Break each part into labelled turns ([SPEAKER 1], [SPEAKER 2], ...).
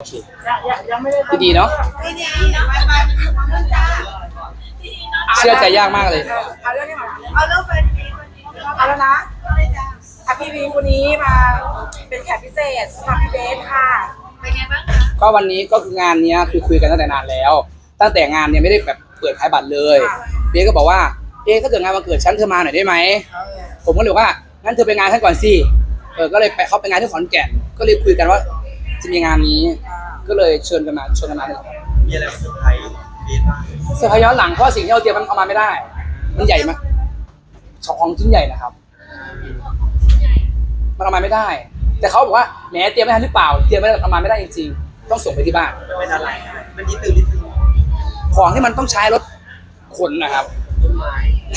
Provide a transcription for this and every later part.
[SPEAKER 1] เค
[SPEAKER 2] ยังไม่ได้
[SPEAKER 1] ที่ดีเนาะ
[SPEAKER 3] ที่ดีไปจ้า
[SPEAKER 1] เชื่อใจยากมากเลย
[SPEAKER 2] เอาเรื่องนี้มา
[SPEAKER 3] เอาเรื่องแฟนมีคนนี้
[SPEAKER 2] เอาแล้วนะ
[SPEAKER 3] ไม่จ้า
[SPEAKER 2] พี่วีคนนี้มาเป็นแขกพิเศษสำหรับพี่เบสค่ะ
[SPEAKER 3] เป็นไงบ้างคะ
[SPEAKER 1] ก็วันนี้ก็คืองานเนี้ยคือคุยกันตั้งแต่นานแล้วตั้งแต่งานเนี่ยไม่ได้แบบเปิดขายบัตรเลยเบียก็บอกว่าถ้าเกิดงานวันเกิดฉันเธอมาหน่อยได้ไหมผมก็เลยว่างั้นเธอไปงานฉันก่อนสิก็เลยไปเขาไปงานที่ขอนแก่นก็เลยคุยกันว่าจะมีงานนี้ก็เลยเชิญกันมาเลย
[SPEAKER 4] มีอะไรมาเซอร์ไพรส์เบสบ้าง
[SPEAKER 1] เซอร์ไพรส์ย้อนหลังเพราะสิ่งที่เราเตรียมมันเอามาไม่ได้ มันใหญ่มากของชิ้นใหญ่นะครับมันเอามาไม่ได้ แต่เขาบอกว่าแหมเตรียมไม่ทันหรือเปล่าเตรียมไม่เอามาไม่ได้จริงๆต้องส่งไปที่บ้าน
[SPEAKER 4] มันเป็นอะไรมันนิดนึง
[SPEAKER 1] ของที่มันต้องใช้รถขนนะครับ
[SPEAKER 4] ต้นไม้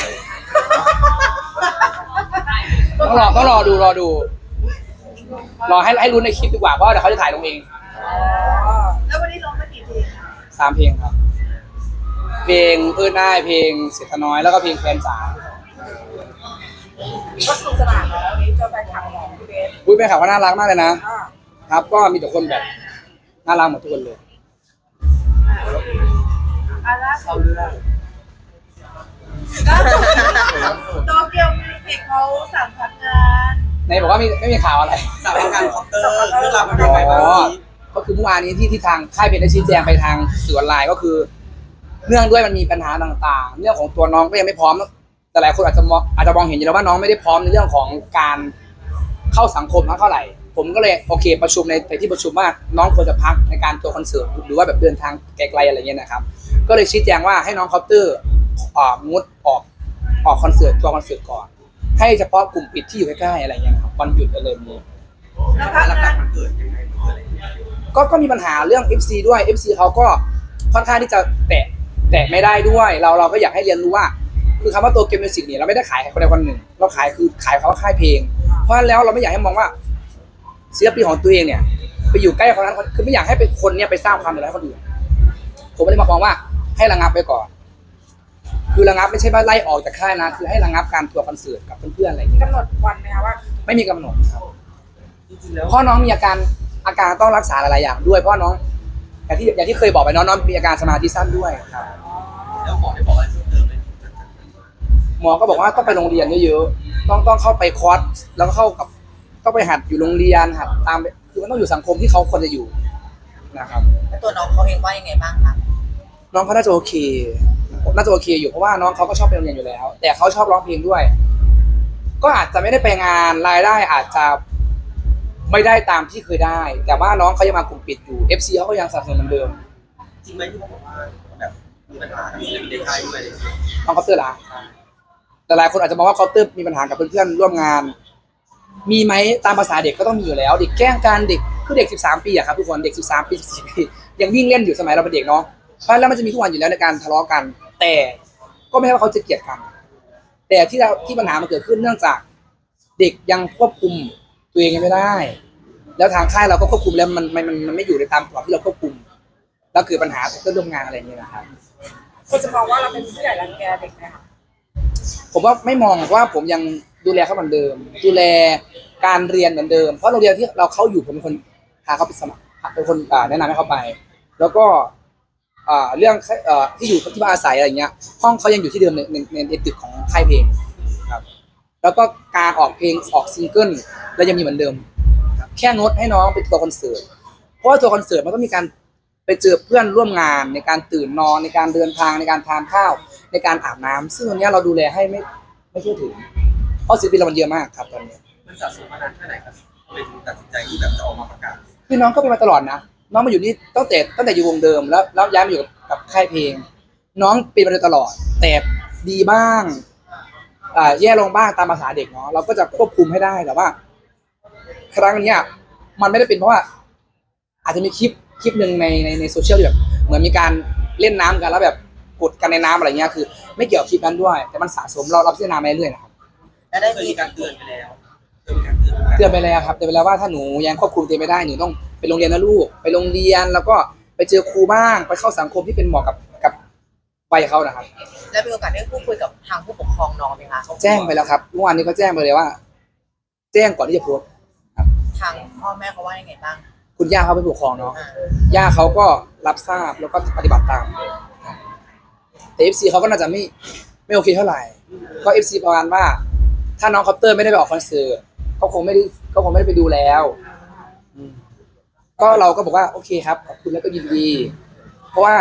[SPEAKER 1] ต้องรอดูรอให้รู้ในคลิปดีกว่าเพราะเดี๋ยวเขาจะถ่ายลงเอง
[SPEAKER 3] แล้ววันนี้ร้องไปกี่เพลงคะ
[SPEAKER 1] 3 เพลงครับเพลงได้เพลงเสียทน้อยแล้วก็เพลงแฟนจ๋า
[SPEAKER 2] ก็สนุกสนานแล้ววันนี้เจอแฟนคลับของพี่เบส
[SPEAKER 1] แฟนคลับก็น่ารักมากเลยนะ ครับก็มีแต่คนแบบน่ารักหมดทุกคนเลย
[SPEAKER 3] ล่าสุ
[SPEAKER 4] เข้า
[SPEAKER 3] ด
[SPEAKER 4] เรื่อง
[SPEAKER 3] โตเกียวมิวสิกเขาสั่งพักงาน
[SPEAKER 1] ในบอกว่าไม่มีข่าวอะไร
[SPEAKER 4] สาวงานคอปเตอร์เรื่องราวมันเป็นยังไงบ้างวันนี้
[SPEAKER 1] ก็คือเมื่อวานนี้ที่ทางค่ายเพลงได้ชี้แจงไปทางสื่อออนไลน์ก็คือเนื่องด้วยมันมีปัญหาต่างๆเรื่องของตัวน้องก็ยังไม่พร้อมแต่หลายคนอาจจะมองเห็นอยู่แล้วว่าน้องไม่ได้พร้อมในเรื่องของการเข้าสังคมเท่าไหร่ผมก็เลยโอเคประชุมในที่ประชุมว่าน้องควรจะพักในการตัวคอนเสิร์ตหรือว่าแบบเดินทางไกลๆอะไรเงี้ยนะครับก็เลยชี้แจงว่าให้น้องคอปเตอร์งดออกคอนเสิร์ตตัวคอนเสิร์ตก่อนให้เฉพาะกลุ่มปิดที่อยู่ใกล้ๆอะไรเงี้ยครับวันหยุดอะไรแบบนี้
[SPEAKER 3] แล้วพัก
[SPEAKER 4] หลั
[SPEAKER 3] งาก น
[SPEAKER 4] ๆมันเกิดยังไงมันเกิดอะไรขึ้น
[SPEAKER 1] ก็มีปัญหาเรื่อง FC ด้วย FC เขาก็ค่อนข้างที่จะแตะไม่ได้ด้วยเราก็อยากให้เรียนรู้ว่าคือคำว่าตัวเกมมิวสิกเนี่ยเราไม่ได้ขายคนใดคนหนึ่งเราขายเขาค่ายเพลงเพราะฉะนั้นแล้วเราไม่อยากให้มองว่าศิลปินของตัวเองเนี่ยไปอยู่ใกล้คนนั้นคือไม่อยากให้เป็นคนเนี่ยไปสร้างความเดือดร้อนให้คนอื่นผมไม่ได้มามองว่าให้ระงับไปก่อนคือระงับไม่ใช่ว่าไล่ออกจากค่ายนะคือให้ระงับการทัวร์คอนเสิร์ตกับเพื่อนๆอะไรอย่างเงี้ย
[SPEAKER 2] กำหนดวันไหมคะว่า
[SPEAKER 1] ไม่มีกำหนดครับ
[SPEAKER 4] จริงๆแล้ว
[SPEAKER 1] เพราะน้องมีอาการต้องรักษาหลายๆอย่างด้วยเพราะน้องอย่างที่เคยบอกไปน้องมีอาการสมาธิสั้นด้วยครับ
[SPEAKER 4] แล้วหมอได้บอกอะไรเพิ่มเติมไหม
[SPEAKER 1] หมอก็บอกว่าต้องไปโรงเรียนเยอะๆต้องเข้าไปคอร์สแล้วก็ต้องไปหัดอยู่โรงเรียนหัดตามคือมันต้องอยู่สังคมที่เขาควรจะอยู่นะครับ
[SPEAKER 5] แล้วตัวน้องเขาเองว่ายังไงบ้างคะ
[SPEAKER 1] น้องเขาน่าจะโอเคอยู่เพราะว่าน้องเขาก็ชอบไปโรงเรียนอยู่แล้ว แต่เขาชอบร้องเพลงด้วย ก็อาจจะไม่ได้ไปงานรายได้อาจจะไม่ได้ตามที่เคยได้ แต่ว่าน้องเขายังมากลุ่มปิดอยู่ FC เขาก็ยังสนับสนุนเหมือนเดิม
[SPEAKER 4] จริงไหมที่เขาบอกว่าแบบมีปัญหามีเด็กชายด้วย
[SPEAKER 1] น้องเคาน์เตอร์ละแต่หลายคนอาจจะมองว่าเคาน์เตอร์มีปัญหากับเพื่อนๆร่วมงาน มีไหมตามภาษาเด็กก็ต้องมีอยู่แล้ว เด็กแกล้งกันเด็กคือเด็ก13ปีอะครับทุกคนเด็ก13ปี14ปียังวิ่งเล่นอยู่สมัยเราเป็นเด็กเนาะเพราะฉะนั้นแล้วมันจะมีทุกวันอยู่แล้วในการทะเลาะกัน แต่ก็ไม่ใช่ว่าเขาจะเกลียดกัน แต่ที่ปัญหามันเกิดขึ้นเนื่องจากเด็กยังควบคุมตัวเองยังไม่ได้ แล้วทางค่ายเราก็ควบคุมแล้วมันไม่อยู่ในตามกรอบที่เราควบคุมแล้วเกิดปัญหาเพื่อนร่วมงานอะไรอย่างเงี้ยนะครับ
[SPEAKER 2] คนจะมองว่าเราเป็นผู้ใหญ่รังแกเด็กไหมคะ
[SPEAKER 1] ผมว่าไม่มองว่าผมยังดูแลเขาเหมือนเดิม ดูแลการเรียนเหมือนเดิมเพราะโรงเรียนที่เราเข้าอยู่ผมเป็นคนพาเขาไปสมัครเป็นคนแนะนำให้เขาไป แล้วก็เรื่องที่อยู่ที่บ้านอาศัยอะไรเงี้ยห้องเขายังอยู่ที่เดิมในตึกของค่ายเพลงครับแล้วก็การออกเพลงออกซิงเกิลเรายังมีเหมือนเดิมครับแค่งดให้น้องเป็นตัวคอนเสิร์ตเพราะว่าตัวคอนเสิร์ตมันก็มีการไปเจอเพื่อนร่วมงานในการตื่นนอนในการเดินทางในการทานข้าวในการอาบน้ำซึ่งตรงนี้เราดูแลให้ไม่ทั่วถึงเพราะศิลปินเรามันเยอะมากครับตอนนี้
[SPEAKER 4] มันสะสมมานานแค่ไหนครับเป็นตัดสินใจที่แบบจะออกมาประกาศ
[SPEAKER 1] คือน้องก็เป็นมาตลอดนะน้องมาอยู่นี่ตั้งแต่อยู่วงเดิมแล้วย้ายมาอยู่กับค่ายเพลง น้องเป็นมาโดยตลอดแต่ดีบ้างแย่ลงบ้างตามภาษาเด็กเนาะเราก็จะควบคุมให้ได้แต่ว่า ครั้งเนี้ยมันไม่ได้เป็นเพราะว่า อาจจะมีคลิปหนึ่งในโซเชียลที่แบบเหมือนมีการเล่นน้ำกันแล้วแบบกดกันในน้ำอะไรเงี้ยคือ ไม่เกี่ยวกับคลิปนั้นด้วย แต่มันสะสมเราพิจารณามาเรื่อยๆนะครับ
[SPEAKER 5] แล้วได้
[SPEAKER 4] เคย
[SPEAKER 5] มี
[SPEAKER 4] มีการเตือนไปแล้วเคยมีการเตือน
[SPEAKER 1] เตือนไปแล้วครับเตือนไปแล้วว่าถ้าหนูยังควบคุมตัวเองไม่ได้หนูต้องไปโรงเรียนนะลูกไปโรงเรียนแล้วก็ไปเจอครูบ้างไปเข้าสังคมที่เป็นเหมาะกับวัยเขานะครับ
[SPEAKER 5] แล้วมีโอกาสได้พูดคุยกับทางผู้ปกครองน้องไหมคะ
[SPEAKER 1] แจ้งไปแล้วครับเมื่อวานนี้ก็แจ้งไปเลยว่า แจ้งก่อนที่จะโพสต์
[SPEAKER 5] ทางพ่อแม่เขาว่ายังไงบ้าง
[SPEAKER 1] คุณย่าเขาเป็นผู้ปกครองเนาะย่าเขาก็รับทราบแล้วก็ปฏิบัติตามแต่เอฟซีเขาก็น่าจะไม่โอเคเท่าไหร่ก็เอฟซีประมาณว่า ถ้าน้องคอปเตอร์ไม่ได้ไปออกคอนเสิร์ตเขาคงไม่ได้ไปดูแล้วอืมก็เราก็บอกว่าโอเคครับขอบคุณแล้วก็ยินดี เพราะว่า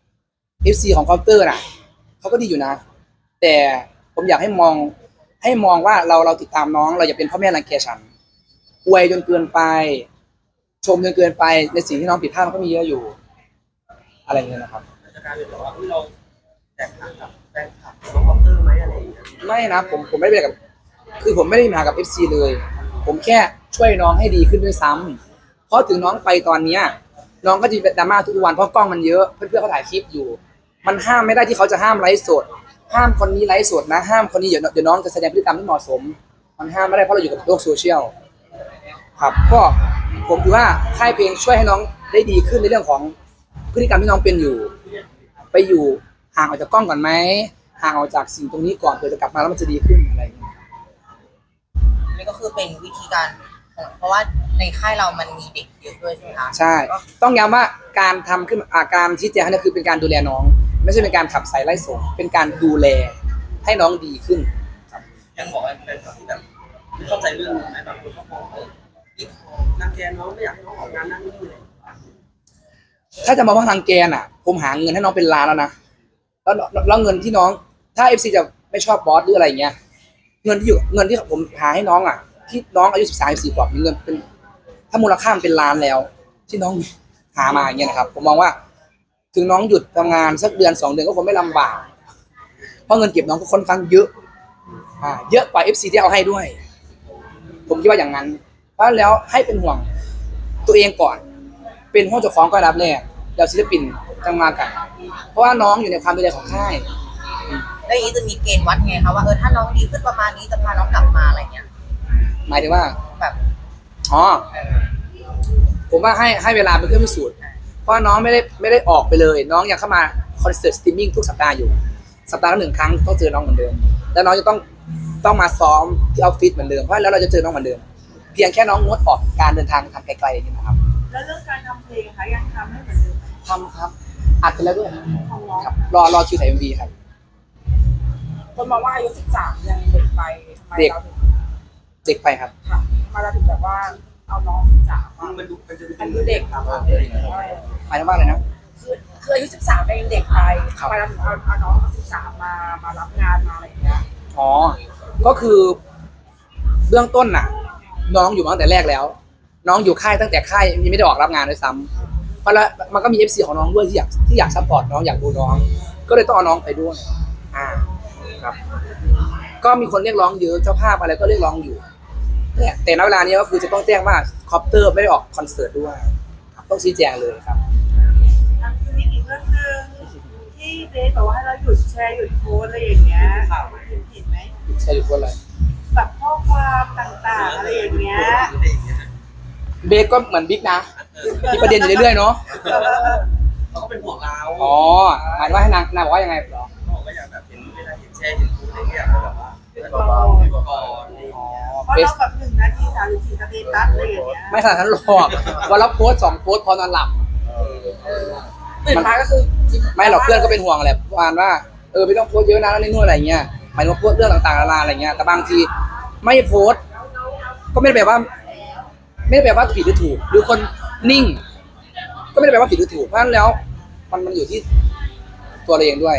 [SPEAKER 1] FC ของคอปเตอร์น่ะเขาก็ดีอยู่นะ แต่ผมอยากให้มองว่าเราติดตามน้องเราอย่าเป็นพ่อแม่รังแกฉันอวยจนเกินไป ชมจนเกินไปในสิ่งที่น้องผิดพลาดมันก็มีเยอะอยู่ อะไรอย่างเงี้ยนะครับ
[SPEAKER 4] จะกลายเป็นแบบว่าเราแตกต่างกับแฟนคลับน้องคอปเตอร์ไหมอะไรอย่างเงี้ย
[SPEAKER 1] ไม่นะผมไม่ได้เป็นกับคือผมไม่ได้มีปัญหากับ FC เลย ผมแค่ช่วยน้องให้ดีขึ้นด้วยซ้ำเพราะถึงน้องไปตอนเนี้ยน้องก็จะมีดราม่าทุกวันเพราะกล้องมันเยอะเพื่อนๆเขาถ่ายคลิปอยู่ มันห้ามไม่ได้ที่เขาจะห้ามไลฟ์สด ห้ามคนนี้ไลฟ์สดนะห้ามคนนี้เดี๋ยวน้องจะแสดงพฤติกรรมที่เหมาะสม มันห้ามไม่ได้เพราะเราอยู่กับโลกโซเชียลครับก็ผมถือว่าค่ายเพลงช่วยให้น้องได้ดีขึ้นในเรื่องของพฤติกรรมที่น้องเป็นอยู่ ไปอยู่ห่างออกจากกล้องก่อนไหมห่างออกจากสิ่งตรงนี้ก่อนเพื่อจะกลับมาแล้วมันจะดีขึ้นอะไรอย่างเงี้ย
[SPEAKER 5] นี่ก็คือเป็นวิธีการเพราะว่าในค่ายเรามันมีเด็กเยอะด้วยใช่ไหมคะ
[SPEAKER 1] ใช่ ต้องย้ำว่าการทำขึ้นการชี้แจงนี่คือเป็นการดูแลน้อง ไม่ใช่เป็นการขับสายไล่ส่งเป็นการดูแลให้น้องดีขึ้น
[SPEAKER 4] ยังบอกว่าแฟนคลับที่แบบไม่เข้าใจเรื่องไหมแบบคนเขามองนางแกน้องไม่อยากให้น้องออกงานนั่นนี่เลย
[SPEAKER 1] ถ้าจะมองว่าทางแกนอ่ะ ผมหาเงินให้น้องเป็นล้านแล้วนะแล้วเงินที่น้องถ้า FC จะไม่ชอบบอสหรืออะไรเงี้ยเงินที่ผมหาให้น้องอ่ะที่น้องอายุ13-14 ขวบมีเงินเป็นถ้ามูลค่ามันเป็นล้านแล้ว ที่น้องหามาอย่างเงี้ยนะครับ ผมมองว่าถึงน้องหยุดทำงานสักเดือน2 เดือนก็คงไม่ลำบากเพราะเงินเก็บน้องก็ค่อนข้างเยอะเยอะกว่า FC ที่เอาให้ด้วย ผมคิดว่าอย่างนั้นเพราะฉะนั้นแล้วให้เป็นห่วงตัวเองก่อน เป็นห้องเจ้าของก็รับแรกแล้วศิลปินจังมากัน เพราะว่าน้องอยู่ในความดูแลของค่าย
[SPEAKER 5] แล้วอย่างนี้จะมีเกณฑ์วัดไงคะว่าถ้าน้องดีขึ้นประมาณนี้จะพาน้องกลับมาอะไรเงี้ย
[SPEAKER 1] หมายถึงว่า
[SPEAKER 5] แบบ
[SPEAKER 1] อ๋อผมว่าให้เวลาเป็นเครื่องพิสูจน์เพราะน้องไม่ได้ออกไปเลย น้องยังเข้ามาคอนเสิร์ตสตรีมมิ่งทุกสัปดาห์อยู่สัปดาห์ละ1 ครั้งต้องเจอน้องเหมือนเดิมแล้วน้องจะต้องมาซ้อมที่ออฟฟิศเหมือนเดิมเพราะแล้วเราจะเจอน้องเหมือนเดิมเพียงแค่น้องงดออกการเดินทางไกลๆอย่างนี้นะครับ
[SPEAKER 3] แล้วเรื่องการทำเพลงคะยังทำให้เหมือนเดิมไหม
[SPEAKER 1] ทำครับอัดไปแล้วด้วย
[SPEAKER 3] ของน้อง
[SPEAKER 1] ครับรอคิวถ่าย MV ครับ
[SPEAKER 2] คนมองว่าอายุ13ยังเด็กไปทำไมเราถึง
[SPEAKER 1] เด็กไปครับ
[SPEAKER 2] ค่ะทำไมเราถึงแบบว่าเอาน้อง13มา
[SPEAKER 4] มันดูมันจะ
[SPEAKER 2] มันดูเด็กครับ
[SPEAKER 1] หมายถึงว่าอะไรนะ
[SPEAKER 2] คืออายุ13เนี่ยยังเด็กไป
[SPEAKER 1] ครับ
[SPEAKER 2] ทำไมเราถึงเอาน้อง13มารับงานมาอะไรอย่างเงี้ย
[SPEAKER 1] อ๋อ ก็คือเบื้องต้นน่ะ น้องอยู่มาตั้งแต่แรกแล้ว น้องอยู่ค่ายตั้งแต่ค่ายยังไม่ได้ออกรับงานด้วยซ้ำเพราะแล้วมันก็มี FC ของน้องด้วยที่อยากซัพพอร์ตน้องอยากดูน้อง ก็เลยต้องเอาน้องไปด้วยครับ ก็มีคนเรียกร้องเยอะเจ้าภาพอะไรก็เรียกร้องอยู่แต่ณเวลานี้ก็คือจะต้องแจ้งว่าคอปเตอร์ไม่ได้ออกคอนเสิร์ตด้วยครับต้องชี้แจงเลยครับ
[SPEAKER 3] คือมีอีกเรื่องหนึงที่เบสบอกว่าให้เราหยุดแชร์หยุดโพสต์อะไรอย่างเงี้ยเห็นไหม
[SPEAKER 1] ใช่หรือว่าอะไร
[SPEAKER 3] แบบข้อความต่างๆอะไรอย่างเงี้ย
[SPEAKER 1] เบสก็เหมือนบิ๊กนะมีประเด็นอยู่เรื่อยๆเนาะ
[SPEAKER 4] เขาก็เป็นห่วงเรา
[SPEAKER 1] อ๋อหมายถึงว่าให้นางบอกว่ายังไงเหรอ
[SPEAKER 4] เขาบอกว่าอยากแบบเห็นเวลาเห็นแชร์เห็นพูดอะไรเงี้ยเขาแบบว่าเบาๆดีกว่าก่อน
[SPEAKER 1] อ๋อ
[SPEAKER 3] เพราะ
[SPEAKER 1] เบส
[SPEAKER 3] เราแบบ1 นาที 34 สเตตัสอะไรอย่างเงี้ย
[SPEAKER 1] ไม่ขนาดนั้นหรอกวันละโพสต์2 โพสต์พอนอนหลับ
[SPEAKER 2] ตื่นมาก็คือ
[SPEAKER 1] ไม่หรอกเพื่อนก็เป็นห่วงแหละประมาณว่าไม่ต้องโพสต์เยอะนะนั่นนู่นอะไรเงี้ยหมายถึงว่าโพสต์เรื่องต่างๆนานาอะไรเงี้ยแต่บางทีไม่โพสต์ก็ไม่ได้แปลว่าผิดหรือถูกหรือคนนิ่ง ก็ไม่ได้แปลว่าผิดหรือถูกเพราะฉะนั้นแล้วมันอยู่ที่ตัวเราเองด้วย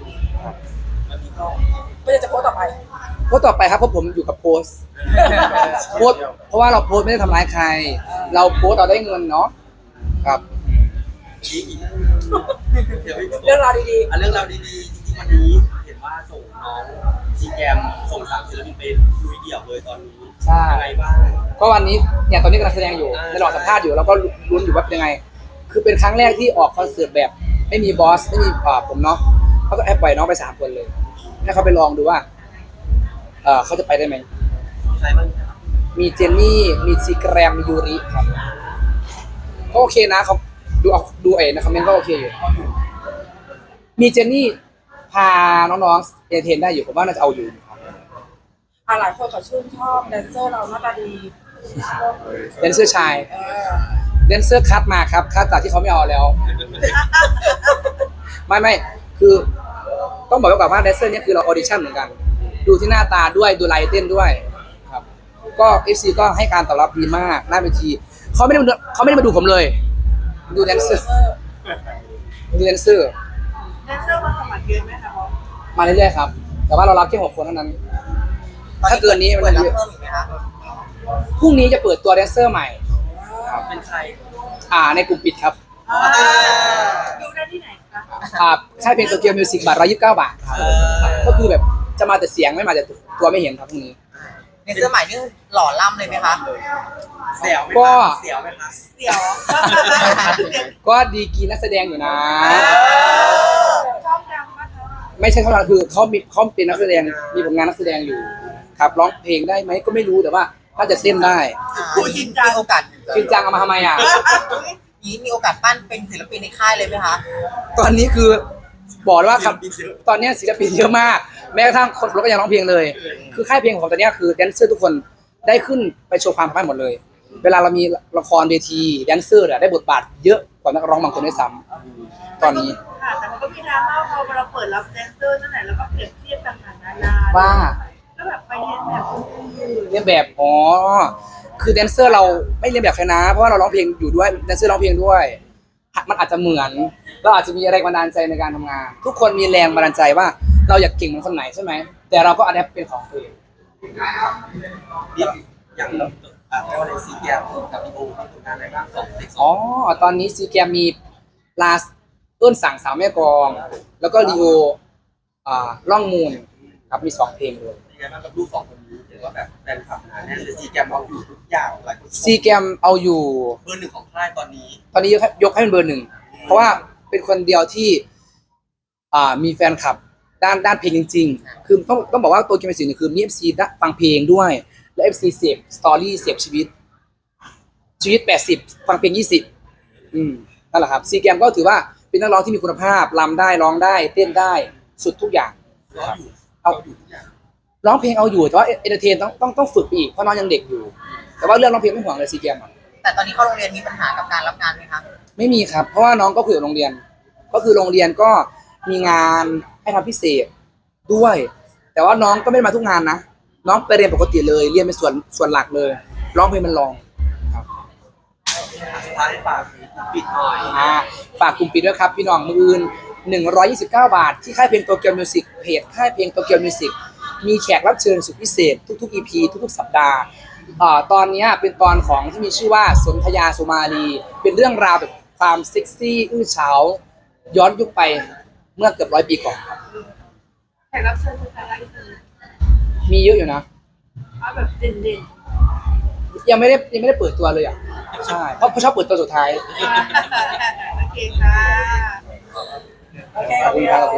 [SPEAKER 2] ก็จะโพสต์ต่อไป
[SPEAKER 1] โพสต์ต่อไปครับเพราะผมอยู่กับโพสต์โพสต์เพราะว่าเราโพสต์ไม่ได้ทำร้ายใคร เราโพสต์เราได้เงินเนาะครับ
[SPEAKER 4] เดี๋ยว
[SPEAKER 2] เรื่องราวดี
[SPEAKER 4] เรื่องราวดีๆจริงๆวันนี้เห็นว่าส่งน้องซีแกมส่ง3 ศิลปินไปลุยเดี่ยวเลยตอนนี้
[SPEAKER 1] ใช่
[SPEAKER 4] ยังไงบ้าง
[SPEAKER 1] ก็วันนี้เนี่ยตอนนี้กำลังแสดงอยู่ในระหว่างสัมภาษณ์อยู่แล้วก็ลุ้นอยู่ว่าเป็นยังไง คือเป็นครั้งแรกที่ออกคอนเสิร์ตแบบไม่มีบอสไม่มีผมเนาะเขาก็แอบปล่อยน้องไป3 คนเลยให้เขาไปลองดูว่าเขาจะไปได้ไหม
[SPEAKER 4] ใครบ้างครับ
[SPEAKER 1] มีเจนนี่มีซีแกรมมียูริครับก็โอเคนะเขาดูในคอมเมนต์ก็โอเคอยู่มีเจนนี่พาน้องๆเอนเตอร์เทนได้อยู่ผมว่าน่าจะเอาอยู่ครับ
[SPEAKER 2] ๆหลายคนเขาชื่นชอบแดนเซอร์เราหน้าตาดี
[SPEAKER 1] เป็นเสื้อชาย
[SPEAKER 2] เออ
[SPEAKER 1] แดนเซอร์คัดมาครับคัดจากที่เขาไม่เอาแล้ว ไม่คือต้องบอกไว้ก่อนว่าแดนเซอร์เนี่ยคือเราออดิชั่นเหมือนกัน ดูที่หน้าตาด้วยดูลายเต้นด้วยครับก็ FC ก็ให้การตอบรับดีมากหน้าเวทีเขาไม่ได้มาดูผมเลย ดูแดนเซอร์ดูแดนเซอร์
[SPEAKER 3] แดนเซอร์มาสมัครเยอะไหมคะบอส
[SPEAKER 1] มาเรื่อยๆครับ แต่ว่าเรารับแค่6 คนเท่านั้น ถ้าเกินนี้มัน
[SPEAKER 5] เปิด
[SPEAKER 1] จะ
[SPEAKER 5] รับ
[SPEAKER 1] เยอะ
[SPEAKER 5] เพิ่มอีกไหมคะ
[SPEAKER 1] พรุ่งนี้จะเปิดตัวแดนเซอร์ใหม่
[SPEAKER 4] เป็นใคร
[SPEAKER 1] ในกลุ่มปิดครับ
[SPEAKER 3] ดูได้ที่ไหนคะ
[SPEAKER 1] ค่ายเพลงโตเกียวมิวสิกบาท129 บาทครับก็คือแบบจะมาแต่เสียงไม่มาแต่ตัวไม่เห็นครับพรุ่งนี้
[SPEAKER 5] ในเสื้อใหม่นี่หล่อล่ำเลยไหมคะ
[SPEAKER 4] เสียวไหม
[SPEAKER 1] ก็
[SPEAKER 4] เสียวไหมคะ
[SPEAKER 3] เดี๋ยว
[SPEAKER 1] ก็ดีกรีนักแสดงอยู่นะ
[SPEAKER 3] ชอบดังมากคะ
[SPEAKER 1] ไม่ใช่เขาคือเขาเป็นนักแสดงมีผลงานนักแสดงอยู่ครับร้องเพลงได้ไหมก็ไม่รู้แต่ว่าถ้าจะเต้นได้
[SPEAKER 3] พูดจริงจัง
[SPEAKER 5] มีโอกาส
[SPEAKER 1] จริงจังเอามาทำไมอ่ะ
[SPEAKER 5] นี้มีโอกาสปั้นเป็นศิลปินในค่ายเลยไหมคะ
[SPEAKER 1] ตอนนี้คือบอกเลยว่าครับตอนนี้ศิลปินเยอะมาก แม้กระทั่งคนขับรถก็ยังร้องเพลงเลย คือค่ายเพลงของตอนนี้คือแดนเซอร์ทุกคนได้ขึ้นไปโชว์ความสามารถหมดเลย เวลาเรามีละครเวทีแดนเซอร์ได้บทบาทเยอะกว่านักร้องบางคนด้วยซ้ำตอนนี้
[SPEAKER 3] ค่ะแต่มันก็มีดราม่าพอเราเปิดรับแดนเซอร์นั่นแหละแล้วก็เปรียบเทียบต่างๆนานา
[SPEAKER 1] ว่า
[SPEAKER 3] ก็แบบไปเรียนแบบคนอื่น
[SPEAKER 1] เรียนแบบคือแดนเซอร์เราไม่เรียนแบบใครนะเพราะว่าเราร้องเพลงอยู่ด้วยแดนเซอร์ร้องเพลงด้วยมันอาจจะเหมือนเราอาจจะมีแรงบันดาลใจในการทำงาน ทุกคนมีแรงบันดาลใจว่าเราอยากเก่งเหมือนคนไหนใช่ไหมแต่เราก็อัดแอปเป็นของตัวเอง
[SPEAKER 4] นี่อย่างเราเรียกว่าอะไรซีแก้วกับพี่โอมีผลงานอะไรบ้างส่งเด็ก
[SPEAKER 1] อ๋อตอนนี้ซีแกมมีลาสเอิ้นสั่งสาวแม่กลอง แล้วก็ลีโอล่องมูลครับมี2 เพลงเลย
[SPEAKER 4] ยังไงบ้างกับลูก2 คนนี้ถือว่าแบบแฟนคลับหนาแน่นเลยซีแกมเอาอยู่ทุกอย่างหลายคน
[SPEAKER 1] ซีแกมเอาอยู่
[SPEAKER 4] เบอร์ 1ของค่ายตอนนี้
[SPEAKER 1] ตอนนี้ยกให้เป็นเบอร์ 1เพราะว่าเป็นคนเดียวที่มีแฟนคลับด้านเพลงจริงๆ คือต้องบอกว่าตัวเกมเป็นสิ่งหนึ่งคือมี FC ฟังเพลงด้วย และ FC เสพสตอรี่เสพชีวิต80ฟังเพลง20นั่นแหละครับซีแกมก็ถือว่าเป็นนักร้องที่มีคุณภาพรำได้ร้องได้เต้นได้สุดทุกอย่าง
[SPEAKER 4] เอาอยู่ทุกอย่าง
[SPEAKER 1] ร้องเพลงเอาอยู่แต่ว่าเอนเตอร์เทนต้องฝึกอีกเพราะน้องยังเด็กอยู่ แต่ว่าเรื่องร้องเพลงไม่ห่วงเลยซีแกม
[SPEAKER 5] แต่ตอนนี้เข้าโรงเรียนมีปัญหากับการรับงานไหมคะ
[SPEAKER 1] ไม่มีครับ เพราะว่าน้องก็คุยกับโรงเรียน ก็คือโรงเรียนก็มีงานให้ทำพิเศษด้วย แต่ว่าน้องก็ไม่ได้มาทุกงานนะ น้องไปเรียนปกติเลย เรียนเป็นส่วนหลักเลย ร้องเพลงมันรองครับ
[SPEAKER 4] สุดท้ายฝากปิดหน่อย
[SPEAKER 1] ฝากกลุ่มปิดด้วยครับพี่น้องมืออื่น129 บาทที่ค่ายเพลงโตเกียวมิวสิกเพจค่ายเพลงโตเกียวมิวสิกมีแขกรับเชิญสุดพิเศษทุกๆ EP ทุกๆ สัปดาห์ตอนนี้เป็นตอนของที่มีชื่อว่าสนธยาสุมาลีเป็นเรื่องราวแบบความเซ็กซี่อื้อฉาวย้อนยุคไปเมื่อเกือบ100 ปีก่อนครับ
[SPEAKER 3] แขกรับเชิญคือใครอีกที
[SPEAKER 1] มีเยอะอยู่นะ
[SPEAKER 3] เอาแบบเด่น
[SPEAKER 1] ยังไม่ได้เปิดตัวเลยอ่ะใช่เพราะชอบเปิดตัวสุดท้าย
[SPEAKER 3] ๆโอเคค่ะ
[SPEAKER 2] โอเค
[SPEAKER 1] ขอบคุณครับ